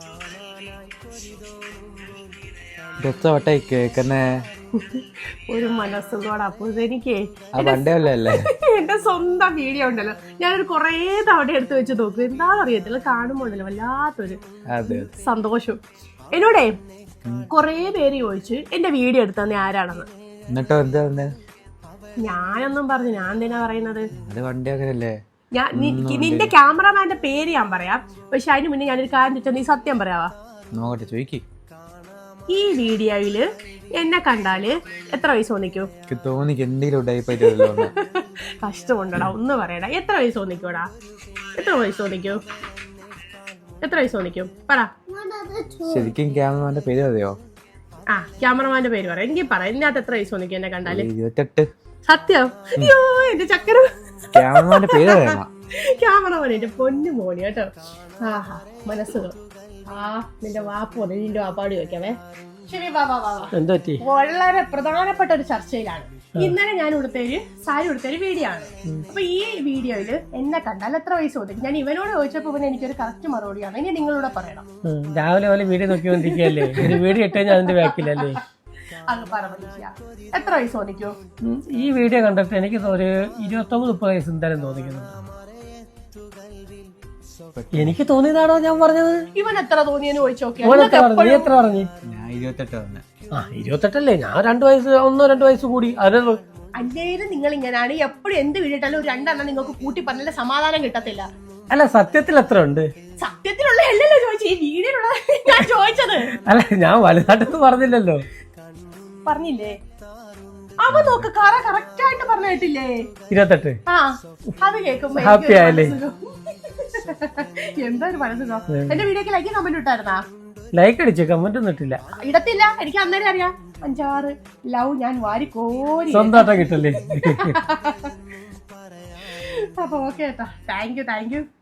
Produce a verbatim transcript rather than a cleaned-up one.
കേക്കുന്നേ ഒരു മനസ്സുകൂടെ. അപ്പൊ എനിക്ക് അല്ലേ എന്റെ സ്വന്തം വീഡിയോ ഉണ്ടല്ലോ, ഞാനൊരു കൊറേ തവണ എടുത്ത് വെച്ച് നോക്കും. എന്താണെന്ന് അറിയത്തില്ല, കാണുമ്പോ ഉണ്ടല്ലോ വല്ലാത്തൊരു സന്തോഷം. എന്നോടേ കൊറേ പേര് ചോദിച്ചു എന്റെ വീഡിയോ എടുത്തന്നെ ആരാണെന്ന്. എന്നിട്ടോ എന്താ? ഞാനൊന്നും പറഞ്ഞു, ഞാൻ എന്തിനാ പറയുന്നത്? വണ്ടി അങ്ങനല്ലേ. ഞാൻ നിന്റെ ക്യാമറമാന്റെ പേര് ഞാൻ പറയാം, പക്ഷെ അതിന് മുന്നേ ഞാനൊരു കാര്യം ചോദിച്ചാൽ നീ സത്യം പറയാവാ? നോക്കട്ടെ, ചോദിക്ക്. ഈ വീഡിയോയില് എന്നെ കണ്ടാല് എത്ര വയസ്സ് തോന്നിക്കൂ? കഷ്ടമുണ്ടടാ, ഒന്ന് പറയടാ. എത്ര വയസ്സ് തോന്നിക്കൂടാ? എത്ര വയസ്സ് തോന്നിക്കൂ? എത്ര വയസ്സ് തോന്നിക്കും പറ. ശരിക്കും ക്യാമറമാന്റെ പേര് അറിയോ? ആ, ക്യാമറമാന്റെ പേര് പറയാം. എനിക്ക് പറ, ഇതിനകത്ത് എത്ര വയസ്സ് തോന്നിക്കും എന്നെ കണ്ടാല്? ഇരുപത്തെട്ട്. സത്യം? അയ്യോ എന്റെ ചക്കര. ക്യാമറമാന്റെ പേര് ക്യാമറമാൻ എന്റെ പൊന്നു മോണി കേട്ടോ. ആഹാ മനസ്സുകൾ. ആ നിന്റെ വാപ്പോ നിന്റെ വാപ്പാടി വെക്കാവേ. ശരി, വാ വാ വാ. വളരെ പ്രധാനപ്പെട്ട ഒരു ചർച്ചയിലാണ്. ഇന്നലെ ഞാൻ ഉടുത്തൊരു സാരി ഉടുത്തൊരു വീഡിയോ ആണ്. അപ്പൊ ഈ വീഡിയോയില് എന്നെ കണ്ടാൽ എത്ര വയസ്സ് തോന്നിക്കും? ഞാൻ ഇവനോട് ചോദിച്ചപ്പോ പിന്നെ എനിക്കൊരു കറക്റ്റ് മറുപടിയാണ്. ഇനി നിങ്ങളൂടെ പറയണം. രാവിലെ പോലെ വീഡിയോ നോക്കിക്കൊണ്ടിരിക്കല്ലേ, ഒരു വീഡിയോ ഇട്ട് കഴിഞ്ഞാൽ അതിന്റെ ബാക്കിലല്ലേ. അത് പറ, എത്ര വയസ്സ് തോന്നിക്കോ? ഈ വീഡിയോ കണ്ടിട്ട് എനിക്ക് ഒരു ഇരുപത്തൊമ്പത് മുപ്പത് വയസ്സ് എന്തായാലും തോന്നിക്കുന്നുണ്ട്. എനിക്ക് തോന്നിയതാണോ ഞാൻ പറഞ്ഞത്? ഇവൻ എത്ര തോന്നിയെന്ന് ചോദിച്ചു. നീ എത്ര പറഞ്ഞു? ആ ഇരുപത്തെട്ടല്ലേ, ഞാൻ രണ്ടു വയസ്സ് ഒന്നോ രണ്ടു വയസ്സ് കൂടി. അതിന് അല്ലേലും നിങ്ങൾ ഇങ്ങനെയാണ് എപ്പോഴും എന്ത് വീഡിയോട്ടാലും ഒരു രണ്ടെണ്ണം നിങ്ങൾക്ക് കൂട്ടി പറഞ്ഞാൽ സമാധാനം കിട്ടത്തില്ല. അല്ല സത്യത്തിൽ എത്ര ഉണ്ട്? സത്യത്തിലുള്ള അല്ലല്ലോ ചോദിച്ചു, ഈ വീഡിയോയിലുള്ള ഞാൻ ചോദിച്ചത്. അല്ല ഞാൻ വലുതായിട്ടൊന്നും പറഞ്ഞില്ലല്ലോ. പറഞ്ഞില്ലേ? അവ നോക്ക്, കറ കറക്റ്റ് ആയിട്ട് പറഞ്ഞു കേട്ടില്ലേ? ഇരുപത്തെട്ട്. ആ അത് കേൾക്കുമ്പോ ഹാപ്പി ആയല്ലേ? എന്താ ഒരു മനസ്സുഖം. എന്റെ വീഡിയോക്ക് ലൈക്ക് കമന്റ് ഇട്ടായിരുന്നാ? ലൈക്ക് അടിച്ചു, കമന്റ് ഒന്നും ഇട്ടില്ല. ഇടത്തില്ല, എനിക്ക് അന്നേരം അറിയാം. അഞ്ചാറ് ലവ് ഞാൻ വാരി കോരി സ്വന്തമായിട്ടാ കിട്ടല്ലേ. അപ്പൊ ഓക്കെ കേട്ടോ. Thank you thank U.